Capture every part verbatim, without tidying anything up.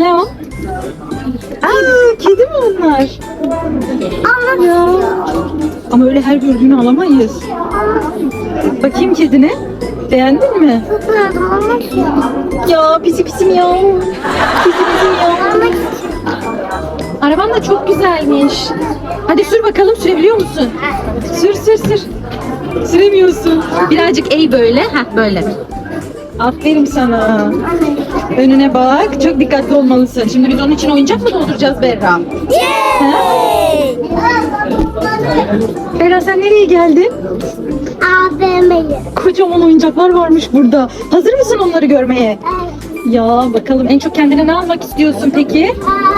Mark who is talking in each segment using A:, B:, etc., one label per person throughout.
A: Ne o? Aa, kedi mi onlar? Ya. Ama öyle her gördüğünü alamayız. Bakayım kedine. Beğendin mi? Ya pisi pisim ya. Pisi pisim ya. Araban da çok güzelmiş. Hadi sür bakalım, sürebiliyor musun? Sür sür sür. Süremiyorsun. Birazcık eğ böyle. Heh böyle. Aferin sana. Önüne bak. Çok dikkatli olmalısın. Şimdi biz onun için oyuncak mı dolduracağız Berra?
B: Yay!
A: Berra sen nereye geldin?
B: A V M'ye.
A: Kocaman oyuncaklar varmış burada. Hazır mısın onları görmeye? Ya bakalım en çok kendine ne almak istiyorsun peki?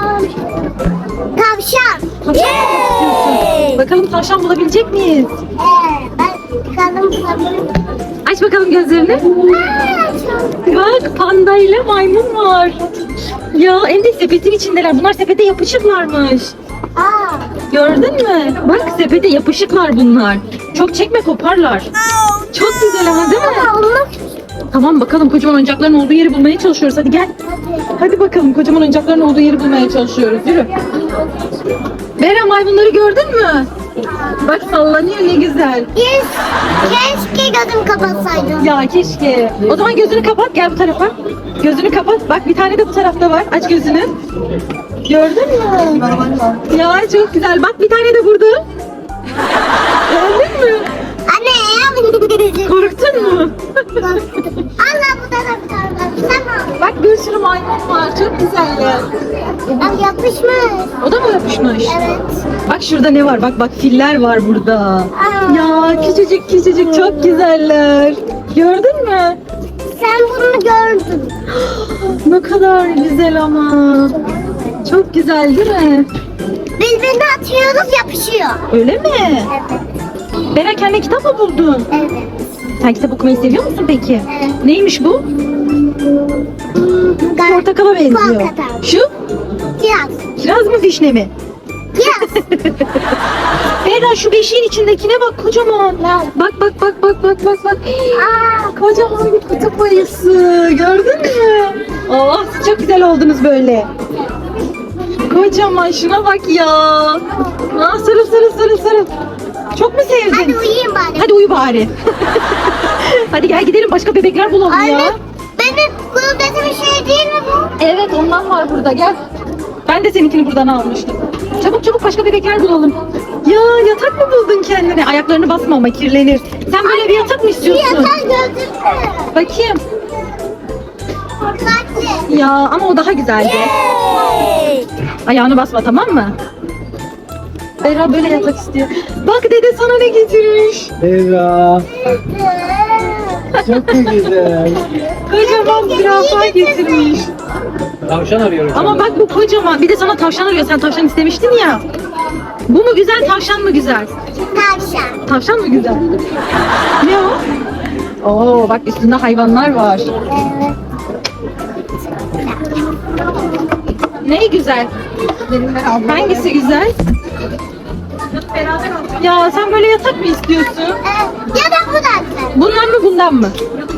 B: Tavşan.
A: Tavşan almak istiyorsun. Bakalım tavşan bulabilecek miyiz?
B: Ee, ben kalın kalın.
A: Aç bakalım gözlerini. Bak panda ile maymun var. Ya hem de sepetin içindeler. Bunlar sepete yapışıklarmış.
B: Aa.
A: Gördün mü? Bak sepete yapışıklar bunlar. Çok çekme koparlar. Çok güzel ama değil mi? Tamam bakalım kocaman oyuncakların olduğu yeri bulmaya çalışıyoruz. Hadi gel. Hadi bakalım kocaman oyuncakların olduğu yeri bulmaya çalışıyoruz. Yürü. Bera maymunları gördün mü? Bak sallanıyor ne güzel.
B: Yes. Keşke gözüm kapatsaydım.
A: Ya keşke. O zaman gözünü kapat gel bu tarafa. Gözünü kapat. Bak bir tane de bu tarafta var. Aç gözünü. Gördün mü? Ya çok güzel. Bak bir tane de burada. Gördün mü?
B: Anne ya.
A: Korktun mu?
B: Allah bu taraftan. Tamam.
A: Bak bir sürü maymun var. Çok güzeller.
B: Bak yapışmış.
A: O da mı yapışmış?
B: Evet.
A: Bak şurada ne var? Bak bak filler var burada.
B: Aa.
A: Ya küçücük küçücük çok güzeller. Gördün mü?
B: Sen bunu gördün.
A: Ne kadar güzel ama. Çok güzel değil mi?
B: Birbirine atıyoruz yapışıyor.
A: Öyle mi?
B: Evet.
A: Bera kendine kitap mı buldun?
B: Evet.
A: Sen kitap okumayı seviyor musun peki?
B: Evet.
A: Neymiş bu?
B: Ben-
A: Portakala benziyor.
B: Portakal.
A: Şu?
B: Kiraz.
A: Kiraz mı vişne mi?
B: Kiraz.
A: Bera şu beşiğin içindekine bak kocaman. Bak bak bak bak bak bak bak.
B: Aa.
A: Kocaman bir kutup ayısı. Gördün mü? Oh çok güzel oldunuz böyle. Kocaman şuna bak ya. Aa, sarıl sarıl sarıl sarıl. Çok mu sevdin?
B: Hadi uyuyayım bari.
A: Hadi uyu bari. Hadi gel gidelim başka bebekler bulalım
B: Anne,
A: ya.
B: benim kulübesi bir şey değil mi bu?
A: Evet ondan var burada gel. Ben de seninkini buradan almıştım. Çabuk çabuk başka bebekler bulalım. Ya yatak mı buldun kendine? Ayaklarını basma ama kirlenir. Sen böyle bir yatak mı
B: Bir
A: istiyorsun?
B: yatağı gördün mü?
A: Bakayım.
B: Kalpli.
A: Ya ama o daha güzeldi. Ayağını basma tamam mı? Bera böyle yatak istiyor. Bak dede sana ne getirmiş.
C: Eva, çok mu güzel?
A: Kocaman zürafa getirmiş.
C: Tavşan arıyorum.
A: Ama bak bu kocaman. Bir de sana tavşan arıyor. Sen tavşan istemiştin ya. Bu mu güzel, tavşan mı güzel?
B: Tavşan.
A: Tavşan mı güzel? Ne o? Oo bak üstünde hayvanlar var.
B: Evet.
A: Ne güzel? Hangisi güzel? Ya sen böyle yatak mı istiyorsun?
B: Ee, ya da bu da güzel.
A: Bundan mı bundan mı?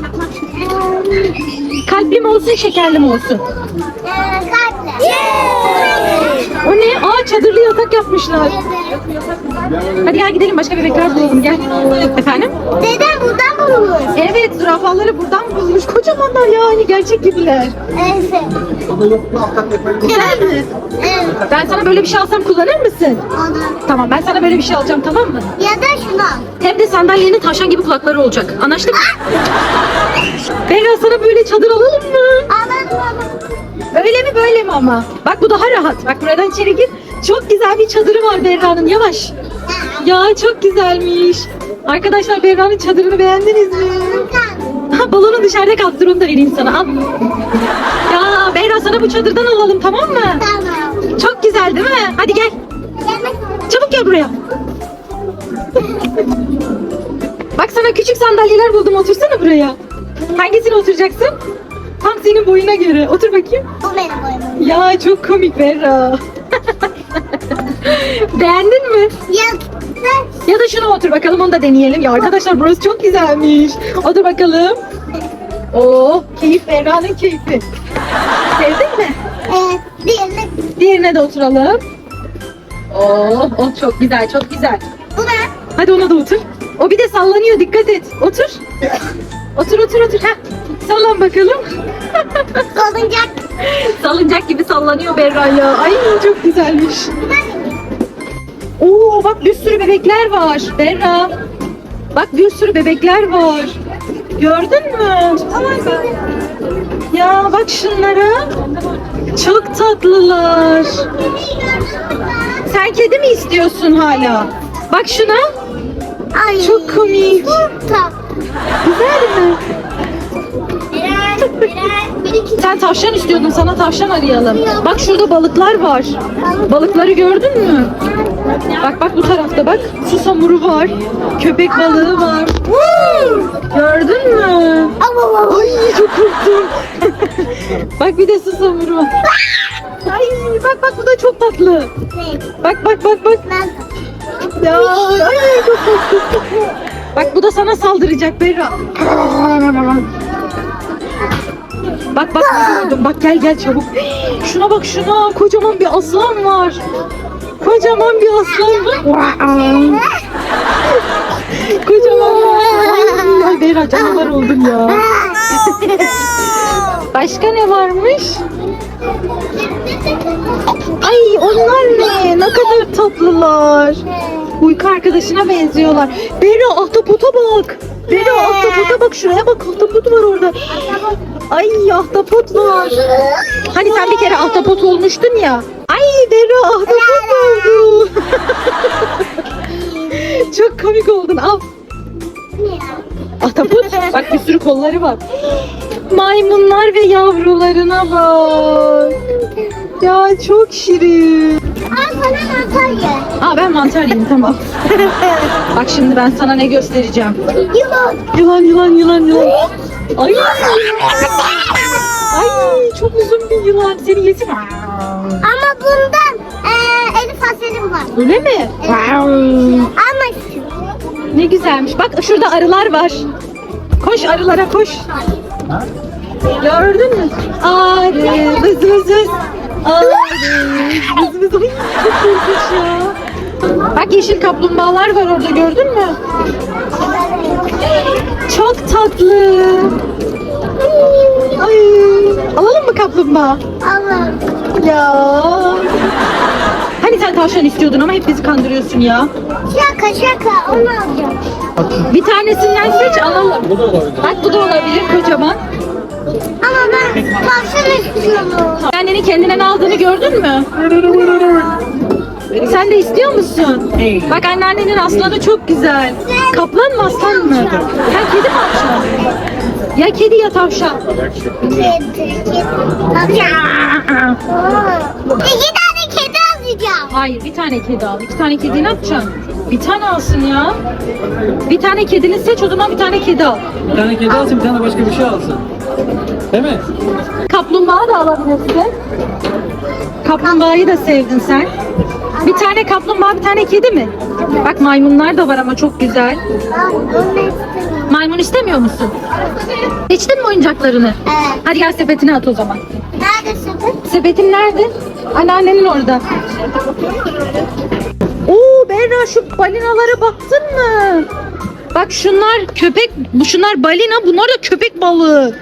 A: Kalpli mi olsun şekerli mi olsun?
B: Ee, kalpli.
A: O ne? Aa çadırlı yatak yapmışlar. Hadi gel gidelim başka bebekler bulalım gel. Efendim?
B: Dedem buradan bulmuş.
A: Evet zürafaları buradan bulmuş. Kocamanlar yani gerçek gibiler.
B: Evet.
A: Güzel mi?
B: Evet.
A: Ben sana böyle bir şey alsam kullanır mısın?
B: Onu.
A: Tamam ben sana böyle bir şey alacağım tamam mı?
B: Ya da şunu.
A: Hem de sandalyenin tavşan gibi kulakları olacak. Anlaştık mı? Bera sana böyle çadır alalım mı?
B: Alalım alalım.
A: Öyle mi böyle mi ama? Bak bu daha rahat. Bak buradan içeri gir. Çok güzel bir çadırı var Berra'nın. Yavaş. Ya çok güzelmiş. Arkadaşlar Berra'nın çadırını beğendiniz mi? Ha, balonu dışarıda kalktır onu da vereyim sana. Al. Ya Berra sana bu çadırdan alalım tamam mı?
B: Tamam.
A: Çok güzel değil mi? Hadi gel.
B: Yemek.
A: Çabuk gel buraya. Bak sana küçük sandalyeler buldum. Otursana buraya. Hangisine oturacaksın? Tam senin boyuna göre. Otur bakayım.
B: Bu benim boyum.
A: Ya çok komik Berra. Beğendin mi?
B: Ya.
A: Ya da şuna otur bakalım onu da deneyelim. Ya arkadaşlar burası çok güzelmiş. Otur bakalım. Oo keyif Berra'nın keyfi. Sevdin mi?
B: Evet.
A: Diğerine de oturalım. Oh, oh çok güzel, çok güzel.
B: Bu ne?
A: Hadi ona da otur. O bir de sallanıyor, dikkat et. Otur. Otur, otur, otur. Heh. Sallan bakalım.
B: Salıncak.
A: Salıncak gibi sallanıyor Berra ya. Ay çok güzelmiş. Oo bak bir sürü bebekler var Berra. Bak bir sürü bebekler var. Gördün mü? Ya bak şunlara. Çok tatlılar. Sen kedi mi istiyorsun hala? Bak şuna.
B: Ay.
A: Çok komik.
B: Çok tatlı.
A: Güzel mi?
B: Birer, birer, bir iki.
A: Sen tavşan istiyordun, sana tavşan arayalım. Bak şurada balıklar var. Balıkları gördün mü? Bak bak bu tarafta bak. Susamuru var. Köpek balığı var. Gördün mü? Ay çok korktum. Bak bir de susamuru var. Ay bak bak bu da çok tatlı. Bak bak bak bak. Ya ay çok korktum. Bak bu da sana saldıracak Berra. Bak bak ne gördüm. Bak gel gel çabuk. Şuna bak şuna. Kocaman bir aslan var. Kocaman bir aslan var. Kocaman bir aslan. Ay Berra canavar oldum ya. Başka ne varmış? Ay onlar ne? Ne kadar tatlılar. Uyku arkadaşına benziyorlar. Berra ahtapota bak. Berra ahtapota bak. Şuraya bak ahtapot var orada. Ay ahtapot var. Hani sen bir kere ahtapot olmuştun ya. Ay Berra ahtapot oldu. Çok komik oldun. Al. Ahtapot. Bak bir sürü kolları var. Maymunlar ve yavrularına bak. Ya çok şirin.
B: Al sana mantar ye.
A: Aa ben mantar yiyeyim tamam. Bak şimdi ben sana ne göstereceğim.
B: Yılan.
A: Yılan yılan yılan yılan. Ay. Ay çok uzun bir yılan. Seni yesin.
B: Ama bundan eee Elif Asel'im var.
A: Öyle mi?
B: Ama
A: Ne güzelmiş. Bak şurada arılar var. Koş arılara koş. Gördün mü? Arı vız vız vız. Arı vız vız vız. Ay, çok korkunç ya. Bak yeşil kaplumbağalar var orada gördün mü? Çok tatlı. Ay, alalım mı kaplumbağa?
B: Allah'ım.
A: Ya. Hani sen tavşan istiyordun ama hep bizi kandırıyorsun ya.
B: Şaka şaka onu alacağım.
A: Bir tanesinden seç alalım.
C: Bu da olabilir.
A: Bak bu da olabilir kocaman.
B: Ama ben tavşan istiyorum.
A: Annenin kendinden aldığını gördün mü? Sen de istiyor musun? Bak anneannenin aslanı çok güzel. Kaplan mı aslan mı? Sen kedi mi alacaksın? Ya kedi ya tavşan.
B: Kedi, kedi. Tavşan. Oo. İki tane kedi alacağım.
A: Hayır bir tane kedi al. İki tane kedi ne yapacaksın? Bir tane alsın ya. Bir tane kedini seç o zaman bir tane kedi al.
C: Bir tane kedi alsın, bir tane başka bir şey alsın. Değil mi?
A: Kaplumbağa da alabilirsin. Kaplumbağayı da sevdin sen. Bir tane kaplumbağa bir tane kedi mi? Bak maymunlar da var ama çok güzel.
B: Ben onu istemiyorum.
A: Maymun istemiyor musun? Seçtin mi oyuncaklarını?
B: Evet.
A: Hadi gel sepetine at o zaman.
B: Neredesin?
A: Sepetin nerede? Anneannenin orada. Oo Berra şu balinalara baktın mı? Bak şunlar köpek, bu şunlar balina, bunlar da köpek balığı.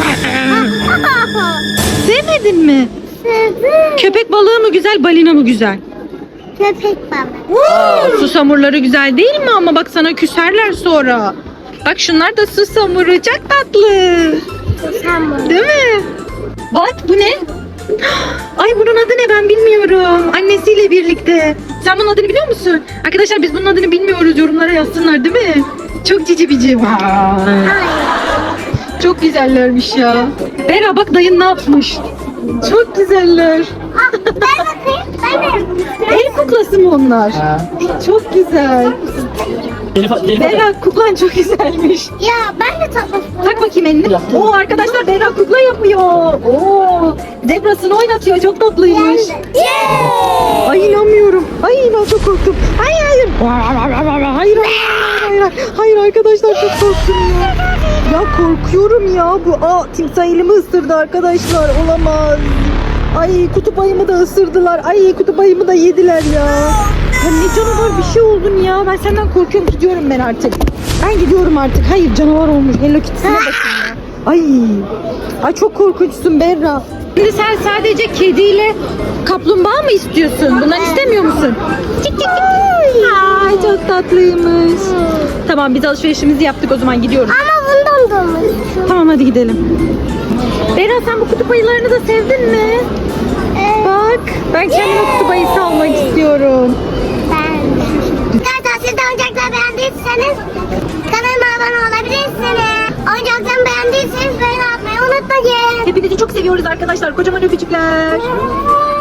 A: Sevmedin mi?
B: Sevdim.
A: Köpek balığı mı güzel, balina mı güzel?
B: Köpek balığı.
A: Aa, susamurları güzel değil mi ama bak sana küserler sonra. Bak şunlar da susamuru çok tatlı.
B: Sen bunu.
A: Değil mi? Bak bu ne? Ay bunun adı ne ben bilmiyorum. Annesiyle birlikte. Sen bunun adını biliyor musun? Arkadaşlar biz bunun adını bilmiyoruz. Yorumlara yazsınlar değil mi? Çok cici bici.
B: Hayır.
A: Çok güzellermiş ya. Bera bak dayın ne yapmış? Çok güzeller.
B: Ah, ben bakayım. Ben de.
A: El kuklası mı onlar?
C: Ha.
A: Çok güzel.
C: Elif, Elif.
A: Bera kuklan çok güzelmiş.
B: Ya ben de tatlı.
A: Tak bakayım elini. Oo arkadaşlar Bera kukla yapıyor. Oo zebrasını oynatıyor. Çok tatlıymış.
B: Yeah.
A: Ay inanmıyorum. Ay inan çok korktum. Hayır hayır. Hayır hayır hayır. Hayır arkadaşlar çok korktum ya. Ya korkuyorum ya. Bu aa timsah elimi ısırdı arkadaşlar. Olamaz. Ay kutup ayımı da ısırdılar. Ay kutup ayımı da yediler ya. Ya ne canavar bir şey oldun ya. Ben senden korkuyorum, gidiyorum ben artık. Ben gidiyorum artık. Hayır canavar olmuş. Hello Kitty'sine bakın ya. Ay. Ay çok korkunçsun Berra. Şimdi sen sadece kediyle kaplumbağa mı istiyorsun? Bunları istemiyor musun? Çık çık çık. Ay çok tatlıymış. Tamam biz alışverişimizi yaptık, o zaman gidiyoruz.
B: Ama bundan da olmuş.
A: Tamam hadi gidelim. Berra sen bu kutup ayılarını da sevdin mi?
B: Evet.
A: Bak ben kendime kutup ayısı almak istiyorum.
B: Ben. Arkadaşlar siz de oyuncakları beğendiyseniz kanalıma abone olabilirsiniz. Oyuncaklarımı beğendiyseniz beğeni atmayı unutmayın.
A: Hepinizi çok seviyoruz arkadaşlar. Kocaman öpücükler.